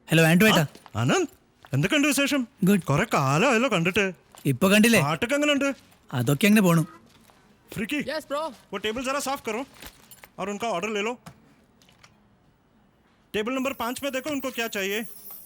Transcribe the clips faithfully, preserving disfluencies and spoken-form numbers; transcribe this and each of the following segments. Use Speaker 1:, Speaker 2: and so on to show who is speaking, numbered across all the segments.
Speaker 1: Hello Andrew ഏട്ടാ.
Speaker 2: അനന്ത്, എന്തൊക്കെയുണ്ട് വിശേഷം?
Speaker 1: ഗുഡ്.
Speaker 2: കുറെ കാലമായല്ലോ കണ്ടിട്ട്.
Speaker 1: ഇപ്പൊ കണ്ടില്ലേ?
Speaker 2: പാട്ടൊക്കെ എങ്ങനെയുണ്ട്?
Speaker 1: അതൊക്കെ അങ്ങനെ പോണു.
Speaker 2: Freaky,
Speaker 3: yes bro.
Speaker 2: वो टेबल जरा साफ करो और उनका ऑर्डर ले लो. टेबल नंबर पाँच में देखो उनको क्या चाहिए.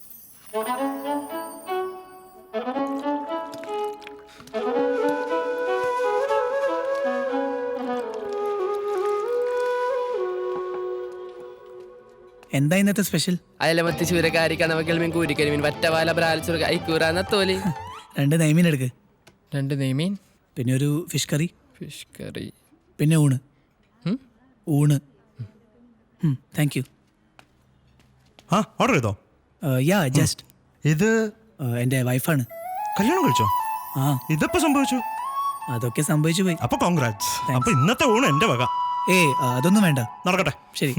Speaker 1: എന്താ ഇന്നത്തെ സ്പെഷ്യൽ?
Speaker 3: അയലമത്തി ചൂരക്കാരി കണവക്കൽ മീൻ കൂരിക്കൽ മീൻ വറ്റവാല ബ്രാൽച്ചുര ഐക്കൂറാന്ന തോലി.
Speaker 1: രണ്ട് നെയ്മീൻ എടുക്ക്.
Speaker 3: രണ്ട് നെയ്മീൻ,
Speaker 1: പിന്നെ ഒരു ഫിഷ് കറി,
Speaker 3: ഫിഷ് കറി,
Speaker 1: പിന്നെ ഊണ്.
Speaker 3: ഉം?
Speaker 1: ഊണ്. Thank you.
Speaker 2: ആ ഓർഡർ ചെയ്തോ?
Speaker 1: Yeah just.
Speaker 2: ഇത്
Speaker 1: എൻ്റെ വൈഫാണ്.
Speaker 2: കല്യാണം കഴിച്ചോ?
Speaker 1: ആ
Speaker 2: ഇതെപ്പോ സംഭവിച്ചു?
Speaker 1: അതൊക്കെ സംഭവിച്ചു പോയി.
Speaker 2: അപ്പൊ കോൺഗ്രാറ്റ്സ്. അപ്പൊ ഇന്നത്തെ ഊണ് എന്റെ വക.
Speaker 1: ഏ അതൊന്നും വേണ്ട.
Speaker 2: നടക്കട്ടെ.
Speaker 1: ശരി.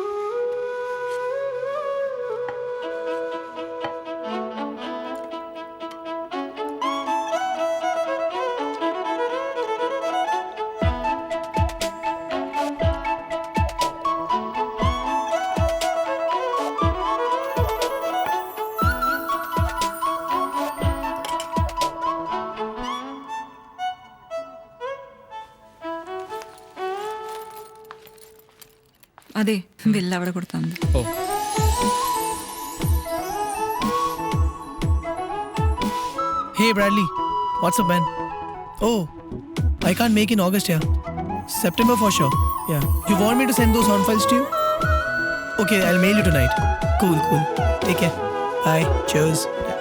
Speaker 4: അതെ, ബില്ല് അവിടെ കൊടുത്താൽ മതി.
Speaker 3: Oh
Speaker 1: Hey Bradley, what's up man? Oh, I can't make in August here. September for sure. Yeah. You want me to send those sound files to you? Okay, I'll mail you tonight. Cool, cool. Take care. Bye. Cheers.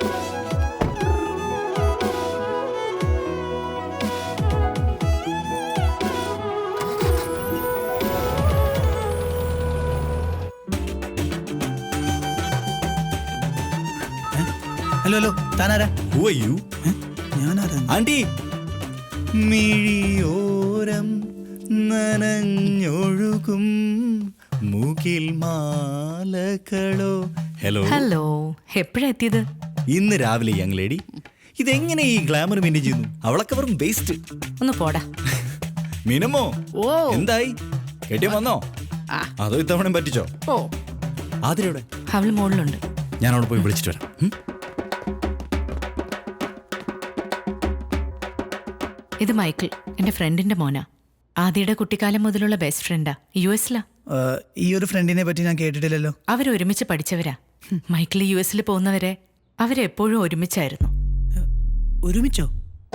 Speaker 1: Hello hello, താനാരാ?
Speaker 5: Who are you?
Speaker 1: ഞാനാരാ?
Speaker 5: Aunty. മിഴിയോരം നനഞ്ഞൊഴുകും മൂക്കിൽ മാലകളോ. Hello
Speaker 6: hello, എപ്പോഴാ എത്തിയത്?
Speaker 5: ഇന്ന് രാവിലെ യങ് ലേഡി. ഇതെങ്ങനെ ഈ ഗ്ലാമർ മെയിൻറ്റെയിൻ ചെയ്യുന്നു? അവളൊക്കെ വെറും വേസ്റ്റ്.
Speaker 6: ഒന്ന് പോടാ.
Speaker 5: മിനമോ,
Speaker 6: ഓ
Speaker 5: എന്തായി? കെട്ടിയോ വന്നോ? അതോ ഇത്തവണ പറ്റിച്ചോ?
Speaker 6: ഓ
Speaker 5: ആതിരയുടെ
Speaker 6: അവള് മുകളിലുണ്ട്.
Speaker 5: ഞാൻ അവിടെ പോയി വിളിച്ചിട്ട് വരാം. ഉം?
Speaker 6: ഇത് മൈക്കിൾ, എന്റെ ഫ്രണ്ടിന്റെ മോനാ. ആദിയുടെ കുട്ടിക്കാലം മുതലുള്ള ബെസ്റ്റ് ഫ്രണ്ടാ. യു എസിലാ.
Speaker 1: ഈ ഒരു ഫ്രണ്ടിനെ പറ്റി ഞാൻ കേട്ടിട്ടില്ലല്ലോ.
Speaker 6: അവരൊരുമിച്ച് പഠിച്ചവരാ. മൈക്കിൾ യു എസിൽ പോകുന്നവരെ അവരെപ്പോഴും ഒരുമിച്ചായിരുന്നു.
Speaker 1: ഒരുമിച്ചോ?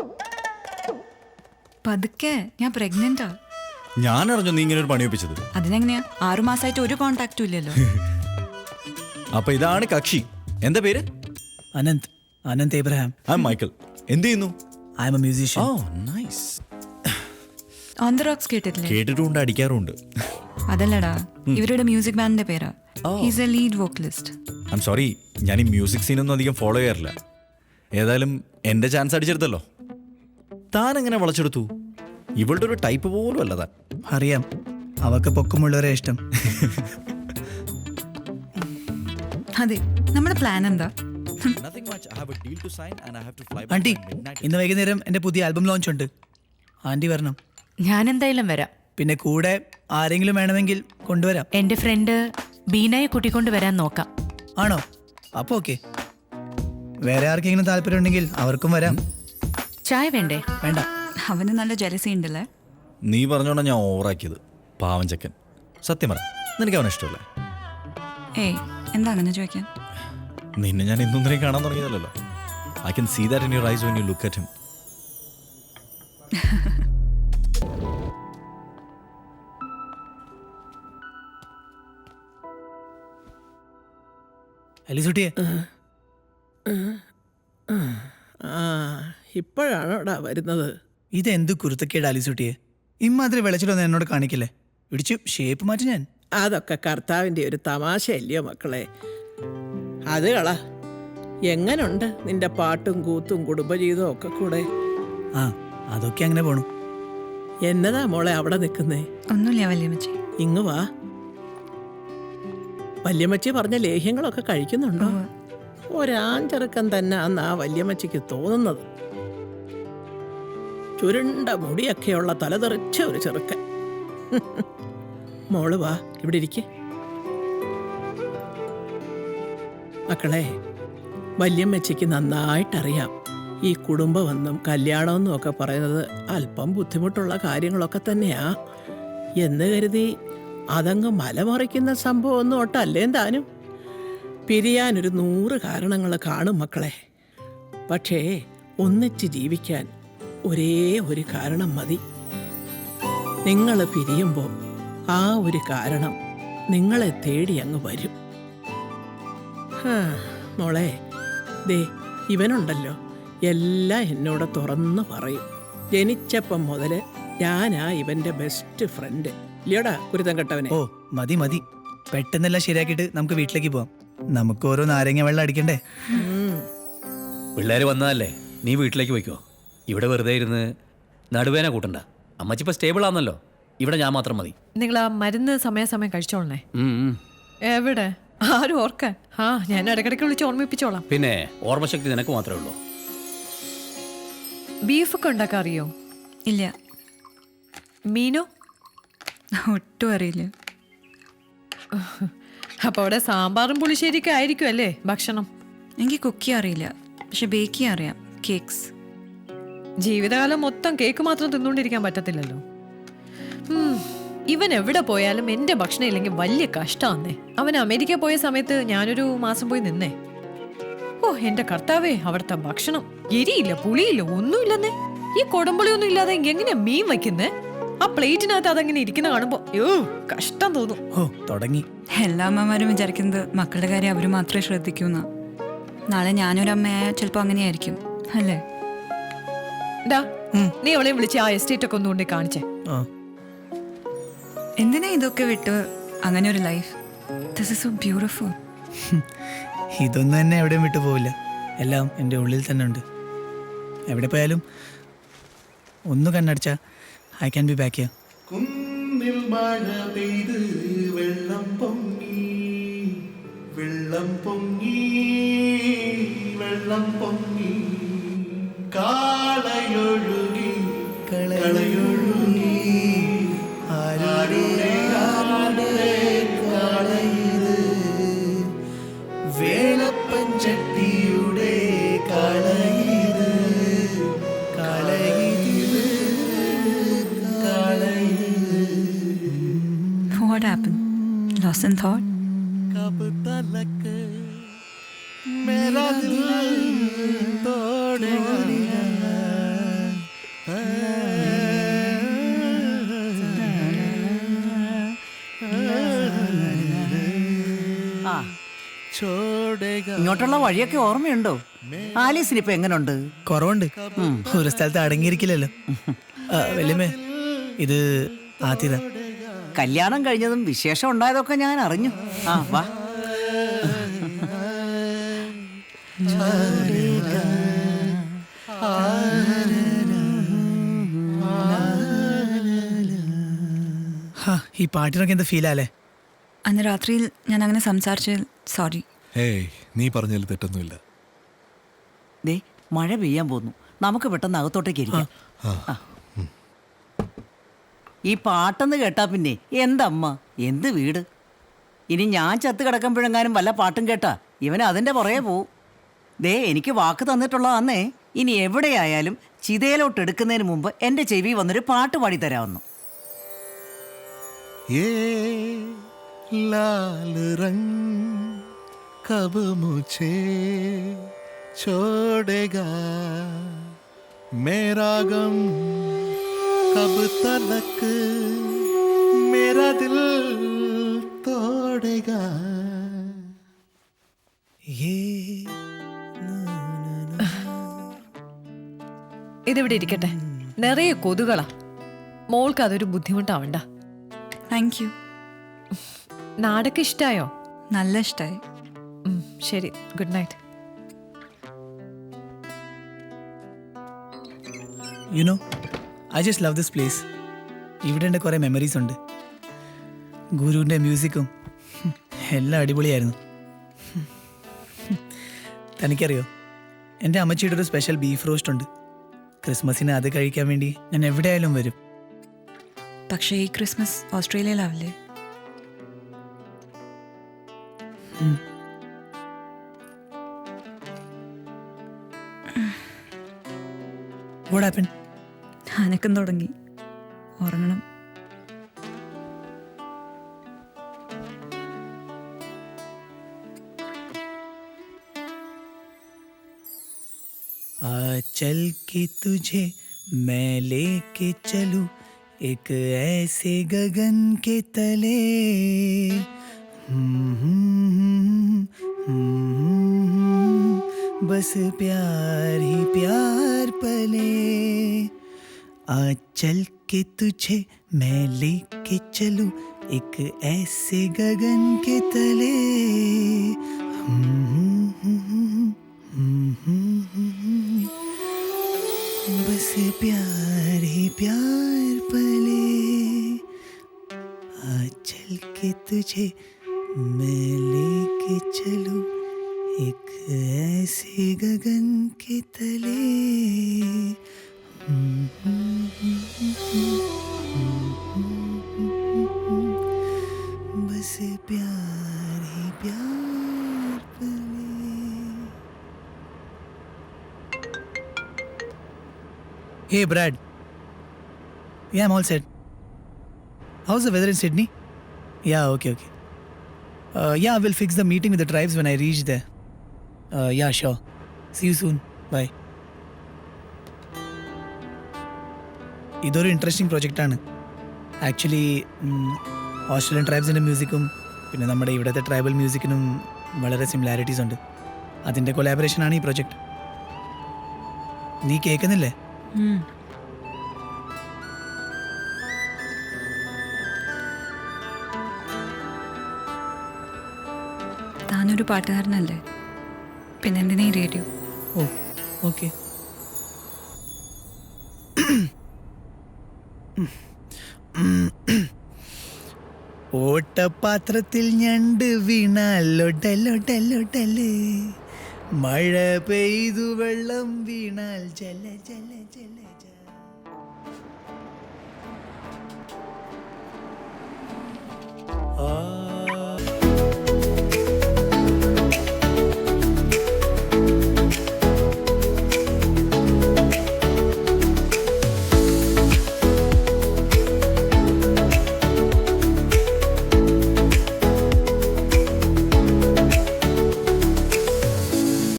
Speaker 4: പതുക്കെ, ഞാൻ പ്രഗ്നന്റാ.
Speaker 5: ഞാൻ അറിഞ്ഞു നീ ഇങ്ങനെ ഒരു പണി ഒപ്പിച്ചത്.
Speaker 4: അതിനെങ്ങനെയാ? ആറു മാസമായിട്ട് ഒരു കോണ്ടാക്റ്റും ഇല്ലല്ലോ.
Speaker 5: അപ്പൊ ഇതാണ് കക്ഷി. എന്താ പേര്?
Speaker 1: Ananth. Ananth Abraham.
Speaker 5: I am Michael. എന്ത് ചെയ്യുന്നു?
Speaker 1: I am a musician.
Speaker 5: Oh nice.
Speaker 4: On the rocks കേട്ടിട്ടില്ലേ?
Speaker 5: കേട്ടിട്ടുണ്ട്, അടിക്കാറുണ്ട്.
Speaker 4: അതല്ലടാ, ഇവരുടെ മ്യൂസിക് ബാൻഡിന്റെ പേരാ. He's a lead vocalist.
Speaker 5: I am sorry, ഞാൻ ഈ മ്യൂസിക് സീനൊന്നും അധികം ഫോളോ ചെയ്യാറില്ല. ഏതായാലും എന്റെ ചാൻസ് അടിച്ചെടുത്തല്ലോ. താൻ എങ്ങനെ വളച്ചെടുത്തു? ഇവളുടെ ഒരു ടൈപ്പ് പോലും അല്ല താൻ.
Speaker 1: അറിയാം, അവർക്ക് പൊക്കമുള്ളവരെ ഇഷ്ടം.
Speaker 4: അതെ, നമ്മുടെ പ്ലാൻ എന്താ?
Speaker 1: ആന്റി, ഇന്ന് വൈകുന്നേരം എന്റെ പുതിയ ആൽബം ലോഞ്ച് ഉണ്ട്. ആന്റി വരണം.
Speaker 6: ഞാൻ എന്തായാലും വരാം.
Speaker 1: പിന്നെ കൂടെ ആരെങ്കിലും വേണമെങ്കിൽ കൊണ്ടുവരാം.
Speaker 6: എന്റെ ഫ്രണ്ട് ബീനയെ കൂട്ടിക്കൊണ്ട് വരാൻ നോക്കാം.
Speaker 1: ആണോ? അപ്പൊ ഓക്കെ. വേറെ ആർക്കെങ്കിലും താല്പര്യം ഉണ്ടെങ്കിൽ അവർക്കും വരാം.
Speaker 6: ചായ വേണ്ടേ?
Speaker 1: വേണ്ട.
Speaker 4: അവന് നല്ല ജലസി ഉണ്ടല്ലേ?
Speaker 5: നീ പറഞ്ഞോണ്ടാ ഞാൻ ഓവറാക്കിയത്. പാവം ചെക്കൻ. സത്യം പറ, നിനക്ക് അവനെ ഇഷ്ടമല്ലേ?
Speaker 4: ഏയ്, എന്താണെന്ന് ചോദിക്കാൻ?
Speaker 5: നിന്നെ ഞാൻ ഇന്നും ഇന്നലെയും കാണാൻ തുടങ്ങിയതല്ലോ. I can see that in your eyes when you look at him.
Speaker 1: അലിസുട്ടിയെ,
Speaker 7: ഇപ്പോഴാണോടാ വരുന്നത്?
Speaker 1: ഇതെന്ത് കുരുത്തക്കേട് അലിസുട്ടിയെ? ഇമ്മാതിരി വെളച്ചിലൊന്നും എന്നോട് കാണിക്കില്ലേ? ഇടിച്ചു ഷേപ്പ് മാറ്റി ഞാൻ.
Speaker 7: അതൊക്കെ കർത്താവിൻ്റെ ഒരു തമാശയല്ലയോ മക്കളെ? അത് കള. എങ്ങനുണ്ട് നിന്റെ പാട്ടും കൂത്തും കുടുംബജീവിതവും ഒക്കെ കൂടെ?
Speaker 1: ആ, അതൊക്കെ അങ്ങനെ പോണു.
Speaker 7: എന്നതാ മോളെ അവിടെ നിൽക്കുന്നേ?
Speaker 4: ഒന്നുമില്ല വല്യമ്മച്ചി.
Speaker 7: ഇങ്ങ് വാ. വല്യമ്മച്ചി പറഞ്ഞ ലേഹ്യങ്ങളൊക്കെ കഴിക്കുന്നുണ്ടോ? ഒരാഞ്ചെറുക്കൻ തന്നെ അന്ന് ആ വല്യമ്മച്ചിക്ക് തോന്നുന്നത്. ചുരുണ്ട മുടിയൊക്കെയുള്ള തലതെറിച്ച ഒരു ചെറുക്കൻ. മോള് വാ, ഇവിടെ ഇരിക്കേ. മക്കളെ, വല്യമ്മച്ചിക്ക് നന്നായിട്ടറിയാം ഈ കുടുംബമെന്നും കല്യാണമെന്നും ഒക്കെ പറയുന്നത് അല്പം ബുദ്ധിമുട്ടുള്ള കാര്യങ്ങളൊക്കെ തന്നെയാ. എന്ന് കരുതി അതങ്ങ് മലമറിക്കുന്ന സംഭവമൊന്നും ഒട്ടല്ലേ താനും. പിരിയാനൊരു നൂറ് കാരണങ്ങൾ കാണും മക്കളെ. പക്ഷേ ഒന്നിച്ച് ജീവിക്കാൻ ഒരേ ഒരു കാരണം മതി. നിങ്ങൾ പിരിയുമ്പോൾ ആ ഒരു കാരണം നിങ്ങളെ തേടി അങ്ങ് വരും. ഹാ, മോളെ, ദേ ഇവനുണ്ടല്ലോ എല്ലാം എന്നോട് തുറന്നു പറയും. ജനിച്ചപ്പം മുതൽ ഞാനാ ഇവന്റെ ബെസ്റ്റ് ഫ്രണ്ട്. ഇല്ലയോടാ കുരുത്തം കെട്ടവനെ?
Speaker 1: ഓ മതി മതി, പെട്ടെന്നെല്ലാം ശരിയാക്കിയിട്ട് നമുക്ക് വീട്ടിലേക്ക് പോവാം. നമുക്ക് ഓരോ നാരങ്ങ വെള്ളം അടിക്കണ്ടേ?
Speaker 8: പിള്ളേർ വന്നതല്ലേ, നീ വീട്ടിലേക്ക് പോയിക്കോ. ഇവിടെ വെറുതെ ഇരുന്ന് നടുവേന കൂട്ടണ്ട. അമ്മച്ചി ഇപ്പൊ സ്റ്റേബിൾ ആണല്ലോ, ഇവിടെ ഞാൻ മാത്രം മതി.
Speaker 9: നിങ്ങൾ ആ മരുന്ന് സമയാസമയം കഴിച്ചോളണേ.
Speaker 8: ഉം, ഉം.
Speaker 9: എവിടെ ആരും ഓർക്കാൻ? ആ ഞാൻ ഇടയ്ക്കിടയ്ക്ക് വിളിച്ച് ഓർമ്മിപ്പിച്ചോളാം.
Speaker 8: പിന്നെ ഓർമ്മശക്തി നിനക്ക് മാത്രമേ ഉള്ളൂ.
Speaker 9: ബീഫൊക്കെ ഉണ്ടാക്കാൻ അറിയോ?
Speaker 4: ഇല്ല,
Speaker 9: മീനോ?
Speaker 4: ഒട്ടും അറിയില്ല.
Speaker 9: അപ്പൊ അവിടെ സാമ്പാറും പുളിശ്ശേരിയൊക്കെ ആയിരിക്കും അല്ലേ ഭക്ഷണം?
Speaker 4: എനിക്ക് കുക്ക് ചെയ്യാൻ അറിയില്ല, പക്ഷെ ബേക്ക് ചെയ്യാൻ അറിയാം. കേക്ക്സ്.
Speaker 9: ജീവിതകാലം മൊത്തം കേക്ക് മാത്രം തിന്നുകൊണ്ടിരിക്കാൻ പറ്റത്തില്ലല്ലോ. ഉം, ഇവൻ എവിടെ പോയാലും എന്റെ ഭക്ഷണം ഇല്ലെങ്കിൽ വലിയ കഷ്ടമാന്നേ. അവൻ അമേരിക്ക പോയ സമയത്ത് ഞാനൊരു മാസം പോയി നിന്നേ. ഓ എന്റെ കർത്താവേ, അവിടുത്തെ ഭക്ഷണം എരിയില്ല, പുളിയില്ല, ഒന്നുമില്ലെന്നേ. ഈ കൊടമ്പുളിയൊന്നും ഇല്ലാതെ എങ്ങനെ മീൻ വയ്ക്കുന്നേ? ആ പ്ലേറ്റിനകത്ത് അതങ്ങനെ ഇരിക്കുന്ന കാണുമ്പോ യോ കഷ്ടം തോന്നും.
Speaker 1: ഓ തുടങ്ങി.
Speaker 4: എല്ലാ അമ്മമാരും വിചാരിക്കുന്നത് മക്കളുടെ കാര്യം അവർ മാത്രമേ ശ്രദ്ധിക്കൂന്ന. നാളെ ഞാനൊരമ്മയായ ചിലപ്പോൾ അങ്ങനെയായിരിക്കും അല്ലേ?
Speaker 9: ഡാ, നീ അവളെയും വിളിച്ച് ആ എസ്റ്റേറ്റ് ഒക്കെ ഒന്നുകൊണ്ട് കാണിച്ചേ.
Speaker 1: ആ
Speaker 4: എന്തിനാ ഇതൊക്കെ വിട്ട് അങ്ങനെ ഒരു life? This is so beautiful.
Speaker 1: ഇതൊന്നും തന്നെ എവിടെയും വിട്ടു പോവില്ല. എല്ലാം എൻ്റെ ഉള്ളിൽ തന്നെ ഉണ്ട്. എവിടെ പോയാലും ഒന്ന് കണ്ണടച്ചാൽ I can be back here.
Speaker 10: കുന്നിൽ മഴ പെയ്ത് വെള്ളം പൊങ്ങി വെള്ളം പൊങ്ങി വെള്ളം പൊങ്ങി കാളയൊഴുകി കളയൊഴുകി ആരുടെ ആരുടെ കാളയത് വേളപ്പഞ്ചട്ടിയുടെ കാളയത് കാളയത് കാളയത്.
Speaker 4: What happened? Lost in thought?
Speaker 10: कब तलक मेरा दिल तोड़ेगा छोड़ेगा.
Speaker 11: ഇങ്ങോട്ടുള്ള വഴിയൊക്കെ ഓർമ്മയുണ്ടോ? ആലീസിന് ഇപ്പൊ എങ്ങനുണ്ട്?
Speaker 1: കുറവുണ്ട്. ഒരു സ്ഥലത്ത് അടങ്ങിയിരിക്കില്ലല്ലോ. ആ, വല്യമ്മേ, ഇത് ആതിര.
Speaker 11: കല്യാണം കഴിഞ്ഞതും വിശേഷം ഉണ്ടായതൊക്കെ ഞാൻ അറിഞ്ഞു. ആ വാ.
Speaker 1: ഹാ, ഈ പാട്ടിനൊക്കെ എന്ത് ഫീലല്ലേ?
Speaker 4: അന്ന് രാത്രിയിൽ ഞാൻ അങ്ങനെ സംസാരിച്ചതിൽ സോറി.
Speaker 10: ഏയ്, നീ പറഞ്ഞതിൽ തെറ്റൊന്നുമില്ല.
Speaker 11: ദേ മഴ പെയ്യാൻ പോന്നു, നമുക്ക് പെട്ടെന്ന് അകത്തോട്ടേക്ക് ഇരിക്കാം. ആ. ഈ പാട്ടെന്ന് കേട്ടാ പിന്നെ എന്തമ്മ എന്ത് വീട്. ഇനി ഞാൻ ചത്ത് കിടക്കുമ്പോഴെങ്ങാനും വല്ല പാട്ടും കേട്ടാ ഇവൻ അതിൻ്റെ പുറകെ പോവും. ദേ എനിക്ക് വാക്ക് തന്നിട്ടുള്ളതാന്നേ, ഇനി എവിടെയായാലും ചിതയിലോട്ട് എടുക്കുന്നതിന് മുമ്പ് എൻ്റെ ചെവി വന്നൊരു പാട്ട് പാടി തരാമെന്നു.
Speaker 10: ये लाल रंग कब मुझे छोड़ेगा मेरा गम कब तलक मेरा दिल तोड़ेगा.
Speaker 9: ഇതിവിടെ ഇരിക്കട്ടെ, നിറയെ കൊതുകളാ. മോൾക്ക് അതൊരു ബുദ്ധിമുട്ടാവണ്ട.
Speaker 4: Thank you.
Speaker 9: നാടൊക്കെ ഇഷ്ടായോ?
Speaker 4: നല്ല ഇഷ്ടമായി.
Speaker 9: ശരി, good night.
Speaker 1: You know, I just love this place. ഇവിടെ എൻ്റെ കുറേ മെമ്മറീസ് ഉണ്ട്. ഗുരുവിൻ്റെ മ്യൂസിക്കും എല്ലാം അടിപൊളിയായിരുന്നു. തനിക്കറിയോ, എൻ്റെ അമ്മച്ചിയുടെ ഒരു സ്പെഷ്യൽ ബീഫ് റോസ്റ്റ് ഉണ്ട്. ക്രിസ്മസിന് അത് കഴിക്കാൻ വേണ്ടി ഞാൻ എവിടെയായാലും വരും.
Speaker 4: പക്ഷേ ഈ ക്രിസ്മസ് ഓസ്ട്രേലിയയിലാവില്ലേ?
Speaker 1: What happened?
Speaker 4: അനക്കം തുടങ്ങി. ഉറങ്ങണം.
Speaker 1: आ चल के तुझे मैं लेके चलूं एक ऐसे गगन के तले. बस प्यार ही प्यार पले. आ चल के तुझे मैं लेके चलूं एक ऐसे गगन के तले. बस प्यार ही प्यार पले. आ चल के तुझे मैं लेके चलूं एक ऐसे गगन के तले. बस प्यार ही प्यार पले. Hey Brad. Yeah, I'm all set. How's the weather in Sydney? Yeah, okay, okay. Uh, yeah, we'll fix the meeting with the tribes when I reach there. Uh, yeah, sure. See you soon. Bye. ഇതൊരു interesting പ്രൊജക്റ്റാണ്. Actually Australian ട്രൈബ്സിൻ്റെ മ്യൂസിക്കും പിന്നെ നമ്മുടെ ഇവിടുത്തെ tribal മ്യൂസിക്കിനും വളരെ similarities ഉണ്ട്. അതിൻ്റെ കൊലാബറേഷനാണ് ഈ പ്രൊജക്റ്റ്. നീ കേൾക്കുന്നില്ലേ?
Speaker 4: ഉം. താനൊരു പാട്ടുകാരനല്ലേ? പിന്നെന്തിനാ ഈ റേഡിയോ?
Speaker 1: ഓ ഓക്കെ. ഓട്ടപാത്രത്തിൽ ഞണ്ട് വീണാൽ ലൊടലൊടലൊടല്. മഴ പെയ്തു വെള്ളം വീണാൽ ജല ജല ജല.